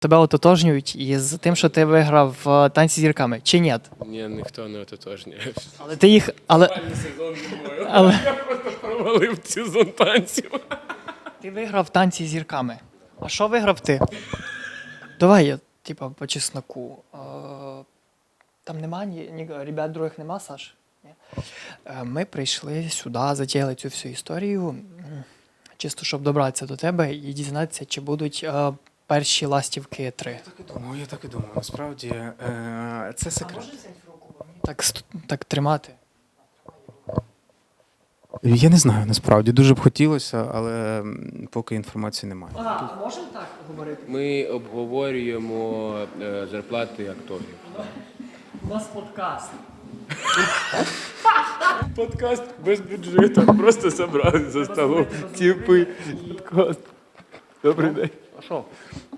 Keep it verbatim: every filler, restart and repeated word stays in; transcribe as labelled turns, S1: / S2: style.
S1: тебе ототожнюють із тим, що ти виграв в танці з зірками, чи ні?
S2: Ні, ніхто не ототожнює.
S1: Але ти їх. Але,
S2: Сезон зимою.
S1: але
S2: Я просто провалив сезон танців.
S1: ти виграв танці з зірками. А що виграв ти? Давай я, типа, по чесноку. Е, Там нема ні, ні ребят других нема, Саш? Ні? Е, Ми прийшли сюди, затіяли цю всю історію, м, чисто щоб добратися до тебе і дізнатися, чи будуть е, перші ластівки три.
S3: Так і думаю, я так і думаю. Насправді е, це секрет.
S1: Так, ст- так тримати.
S3: Я не знаю, насправді. Дуже б хотілося, але м, поки інформації немає.
S1: А, можемо так говорити?
S2: Ми обговорюємо е, зарплати акторів.
S1: У нас подкаст.
S2: Подкаст без бюджету. Просто зібрали за столом. Типи. Подкаст. Добрий день.
S1: А що?